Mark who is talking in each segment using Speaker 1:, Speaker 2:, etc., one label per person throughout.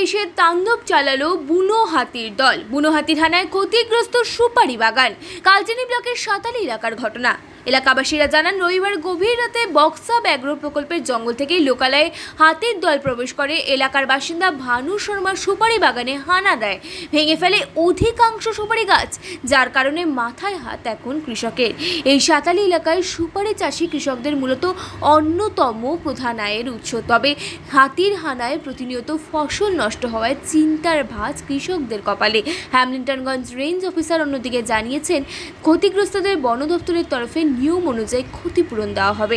Speaker 1: এসে তাণ্ডব চালালো বুনো হাতির দল। বুনো হাতির হানায় ক্ষতিগ্রস্ত সুপারি বাগান। কালচিনি ব্লকের সাতালি এলাকার ঘটনা। এলাকাবাসীরা জানান, রবিবার গভীর রাতে বক্সা ব্যাঘ্র প্রকল্পের জঙ্গল থেকে লোকালয়ে হাতির দল প্রবেশ করে। এলাকার বাসিন্দা ভানু শর্মা সুপারি বাগানে হানা দেয়, ভেঙে ফেলে অধিকাংশ সুপারি গাছ, যার কারণে মাথায় হাত এখন কৃষকের। এই সাতালি এলাকায় সুপারি চাষি কৃষকদের মূলত অন্যতম প্রধান আয়ের উৎস। তবে হাতির হানায় প্রতিনিয়ত ফসল নষ্ট হওয়ায় চিন্তার ভাঁজ কৃষকদের কপালে। হ্যামলিন্টনগঞ্জ রেঞ্জ অফিসার অন্যদিকে জানিয়েছেন, ক্ষতিগ্রস্তদের বন দপ্তরের তরফে নিয়ম অনুযায়ী ক্ষতিপূরণ দেওয়া হবে।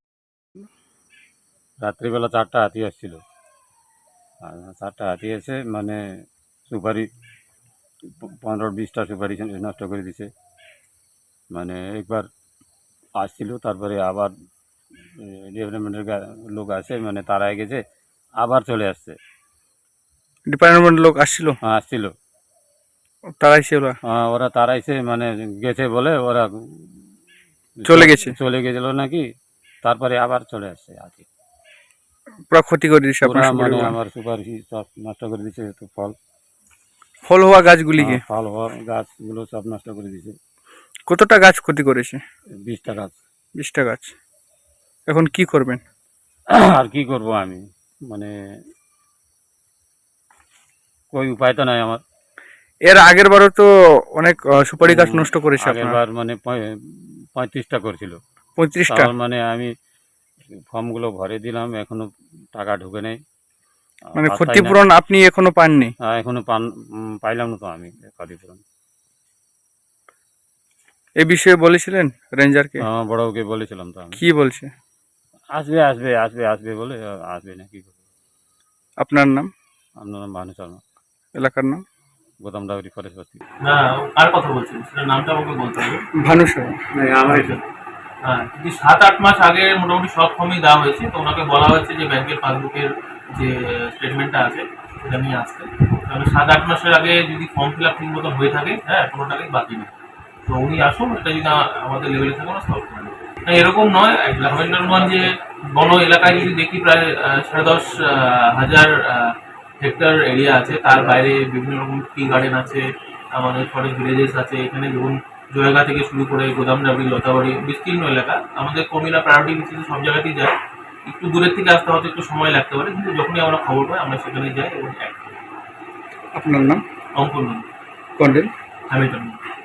Speaker 2: রাত্রিবেলা 4টা হাতি আসছিল, 4টা হাতি এসে মানে সুপারি 15-20টা সুপারি নষ্ট করে দিছে। মানে একবার আসছিল, তারপরে আবার ডেভেলপমেন্টের লোক আসে, মানে তারা গেছে, আবার চলে আসছে।
Speaker 3: ডিপার্টমেন্টের লোক আসছিল?
Speaker 2: আসছিল,
Speaker 3: তারাইছে
Speaker 2: ওরা তারাইছে, মানে গেছে বলে ওরা চলে গেছিল নাকি, তারপরে আবার চলে আসছে হাতি।
Speaker 3: পুরো ক্ষতি করে দিচ্ছে আপনার
Speaker 2: মানে আমার সুপারি সব নষ্ট করে দিচ্ছে। তো
Speaker 3: ফল হওয়া গাছগুলিকে,
Speaker 2: ফল হওয়া গাছগুলো সব নষ্ট করে দিছে।
Speaker 3: কতটা গাছ ক্ষতি করেছে?
Speaker 2: 20টা গাছ।
Speaker 3: 20টা গাছ। এখন কি করবেন?
Speaker 2: আর কি করব আমি, মানে કોઈ উপায় তো নাই আমার।
Speaker 3: এর আগের বারও তো অনেক সুপারি গাছ নষ্ট করেছে।
Speaker 2: আগেরবার মানে 35টা করেছিল।
Speaker 3: 35টা?
Speaker 2: মানে আমি ফর্মগুলো ভরে দিলাম, এখনো টাকা ঢুকে নেই।
Speaker 3: মানে ক্ষতিপূরণ আপনি এখনো পাননি?
Speaker 2: এখনো পাইলাম না তো আমি ক্ষতিপূরণ।
Speaker 3: এই বিষয়ে বলেছিলেন রেঞ্জারকে?
Speaker 2: বড়কে বলেছিলাম তো আমি।
Speaker 3: কি বলছে?
Speaker 2: আসবে আসবে আসবে আসবে বলে আসবে না, কি করবো।
Speaker 3: আপনার নাম?
Speaker 2: আপনার নাম ভানু শর্মা।
Speaker 3: এলাকার নাম?
Speaker 2: গোদামডাবরি ফরেস্ট বস্তি।
Speaker 4: না, কার কথা বলছেন সেটা নামটা আমাকে বলতে হবে।
Speaker 3: ভানু শর্মা।
Speaker 4: হ্যাঁ, কিন্তু 7-8 মাস আগে মোটামুটি সব ফর্মই দেওয়া হয়েছে। তো ওনাকে বলা হয়েছে যে ব্যাংকের পাসবুকের যে স্টেটমেন্টটা আছে সেটা নিয়ে আসতে। তাহলে 7-8 মাসের আগে যদি ফর্ম ফিল আপ ঠিক মতো হয়ে থাকে, হ্যাঁ, কোনো টাকাই বাকি নেই। তো উনি আসুন, এটা যদি আমাদের লেভেলে থাকে না সলভ করে নেব। এরকম নয়, হ্যামলিন্টনগঞ্জে বন এলাকায় যদি দেখি প্রায় 10,500 হেক্টর এরিয়া আছে। তার বাইরে বিভিন্ন রকম টি গার্ডেন আছে, আমাদের ফরেস্ট ভিলেজেস আছে। এখানে দেখুন, জয়গা থেকে শুরু করে গোদামডাবরি, লতাবাড়ি, বিস্তীর্ণ এলাকা। আমাদের কর্মীরা প্রায়োরিটি বেসিসে সব জায়গাতেই যায়। একটু দূরের থেকে আসতে হয়তো একটু সময় লাগতে পারে, কিন্তু যখনই আমরা খবর পাই আমরা সেখানে যাই এবং অ্যাক্ট করি।
Speaker 3: আপনার নাম?
Speaker 4: অঙ্কন
Speaker 3: কন্ডেল?
Speaker 4: হ্যামিল্টন।